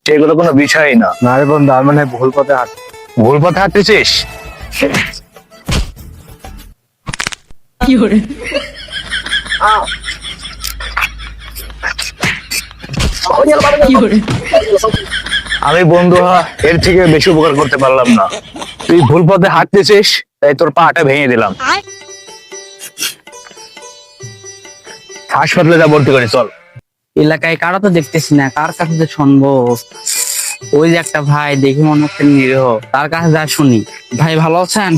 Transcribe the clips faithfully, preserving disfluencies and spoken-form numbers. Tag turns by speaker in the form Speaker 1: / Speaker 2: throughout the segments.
Speaker 1: সেগুলো কোনো বিষয়ই না।
Speaker 2: না রে বন্ধু, আমি মানে ভুল পথে হাঁট
Speaker 1: ভুল পথে হাঁটতেছিস? আমি বন্ধু হ, এর থেকে বেশি উপকার করতে পারলাম না। তুই ভুল পথে হাঁটতেছিস, তাই তোর পাটা ভেঙে দিলাম। হাসপাতালে যা ভর্তি করে চল।
Speaker 3: এলাকায় কারো তো দেখতেছি না, কার কাছে যে শুনবো? ওই যে একটা ভাই, দেখি মনে হচ্ছে নিরীহ, তার কাছে যা শুনি। ভাই ভালো আছেন?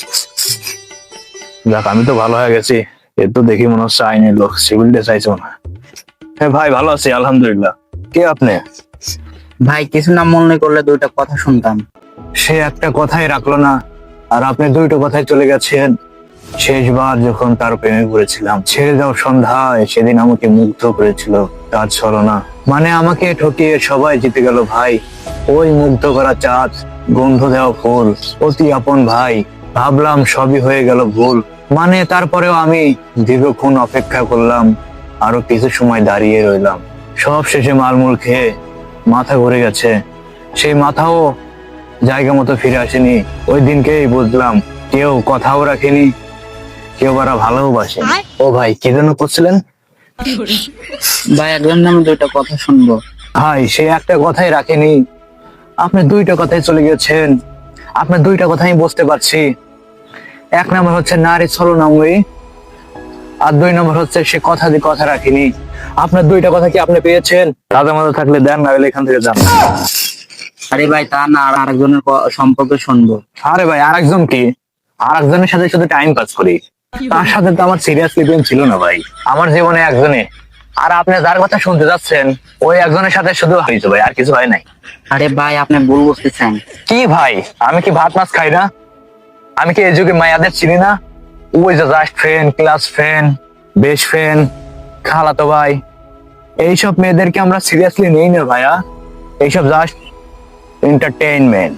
Speaker 1: যাক, আমি তো ভালো হয়ে গেছি। এর তো দেখি মনে হচ্ছে আইনের লোক, সিভিলটা চাইছো না। হ্যাঁ ভাই, ভালো আছি আলহামদুলিল্লাহ। কে আপনি?
Speaker 3: ভাই কিছু না মনে করলে দুইটা কথা শুনতাম।
Speaker 1: সে একটা কথাই রাখলো না, আর আপনি দুইটা কথাই চলে গেছেন। শেষবার যখন তার প্রেমে পড়েছিলাম, ছেড়ে যাও সন্ধ্যায়, সেদিন আমাকে মুগ্ধ করেছিল তার ছলনা। মানে আমাকে ঠকিয়ে সবাই জিতে গেল ভাই। ওই মুগ্ধ করা চাঁদ, গন্ধ দেওয়া ফুল, অতি আপন ভাই। ভাবলাম সবই হয়ে গেল ভুল। মানে তারপরেও আমি দীর্ঘক্ষণ অপেক্ষা করলাম, আরো কিছু সময় দাঁড়িয়ে রইলাম। সব শেষে মালমূল খেয়ে মাথা ঘুরে গেছে। সেই মাথাও জায়গা মতো ফিরে আসেনি। ওই দিনকেই বুঝলাম, কেউ কথাও রাখেনি, কেউ আবার ভালোবাসে। ও ভাই, কি জন্য করছিলেন?
Speaker 3: ভাই একজন নামে দুইটা কথা শুনবো।
Speaker 1: ভাই সে একটা কথাই রাখেনি, আপনি দুইটা কথাই চলে গেছেন। আপনার দুইটা কথা আমি বুঝতে পারছি। এক নম্বর হচ্ছে নারী ছলনাময়ী, আর দুই নম্বর হচ্ছে সে কথা দিয়ে কথা রাখেনি। আপনার দুইটা কথা কি আপনি পেয়েছেন? তাদের মধ্যে থাকলে দেন, না হলে এখান থেকে যান।
Speaker 3: আরে ভাই তা না, আর আরেকজনের ক- সম্পর্কে শুনবো।
Speaker 1: আরে ভাই, আরেকজন কি? আরেকজনের সাথে শুধু টাইম পাস করি, তার সাথে তো আমার সিরিয়াসলি প্রেম ছিল না ভাই। আমার জীবনে একজনে, আর আপনি যার কথা শুনতে যাচ্ছেন ওই একজনের সাথে শুধু হয়েছে ভাই, আর কিছু হয় নাই।
Speaker 3: আরে ভাই আপনি ভুল বুঝতেছেন।
Speaker 1: কি ভাই, আমি কি ভাত মাছ খাই না? আমি কি এই যুগে মায়াদের চিনি না? ওই যে just friend, class friend, best friend, খালাতো ভাই, এইসব মেয়েদেরকে আমরা সিরিয়াসলি নেই না ভাইয়া। এইসব জাস্ট এন্টারটেইনমেন্ট।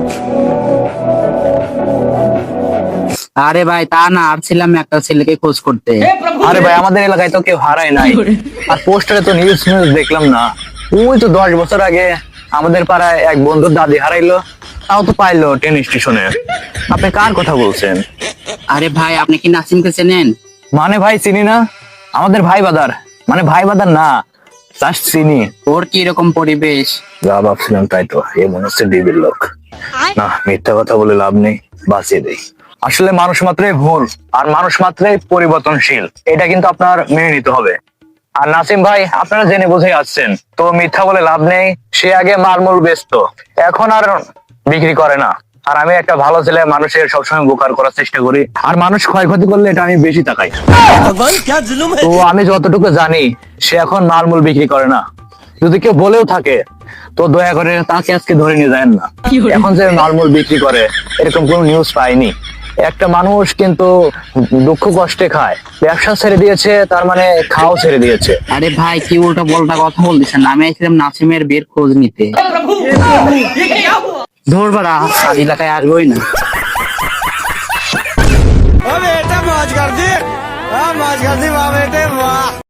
Speaker 3: আরে ভাই তা না, আর ছিলাম একটা ছেলেকে খোঁজ করতে।
Speaker 1: আরে ভাই, আমাদের এলাকায় তো কেউ হারায় নাই, আর পোস্টারে তো নিউজ নিউজ দেখলাম না। ওই তো দশ বছর আগে আমাদের পাড়ায় এক বন্ধুর দাদি হারাইলো, তাও তো পাইলো ট্রেন স্টেশনে। আপনি কার কথা বলছেন?
Speaker 3: আরে ভাই আপনি কি নাসিমকে চেনেন?
Speaker 1: মানে ভাই চিনি না, আমাদের ভাই বাদার, মানে ভাই বাদার না, জাস্ট চিনি।
Speaker 3: ওর কি এরকম পরিবেশ?
Speaker 1: যা ভাবছিলাম তাই তো, এ মনে হচ্ছে ডিবির লোক। না, মিথ্যা কথা বলে লাভ নেই, বাঁচিয়ে দেই। আসলে মানুষ মাত্রই ভুল, আর মানুষ মাত্রই পরিবর্তনশীল, এটা কিন্তু আপনার মেনে নিতে হবে। আর নাসিম ভাই, আপনারা জেনে বুঝে আসছেন তো, মিথ্যা বলে লাভ নেই। সে আগে মালমূল বেচতো, এখন আর বিক্রি করে না। আর আমি একটা ভালো ছেলে, মানুষের সবসময় উপকার করার চেষ্টা করি, আর মানুষ ক্ষয়ক্ষতি করলে এটা আমি বেশি তাকাই। তো আমি যতটুকু জানি, সে এখন মালমূল বিক্রি করে না। যদি কেউ বলেও থাকে তো দয়া করে তাকে আজকে ধরে নিয়ে যায় না। এখন যে মালমূল বিক্রি করে এরকম কোন নিউজ পাইনি। একটা মানুষ কিন্তু দুঃখ কষ্টে খায়, ব্যবসা ছেড়ে দিয়েছে, তার মানে খাওয়া ছেড়ে দিয়েছে।
Speaker 3: আরে ভাই কি উল্টা পাল্টা কথা বলতেছেন? আমি এসেছিলাম নাসিমের বিয়ের খোঁজ নিতে। ধরবারা আর এলাকায় আসবোই না।
Speaker 4: बेटा मौज कर दी, हाँ मौज कर दी वाह बेटे वाह।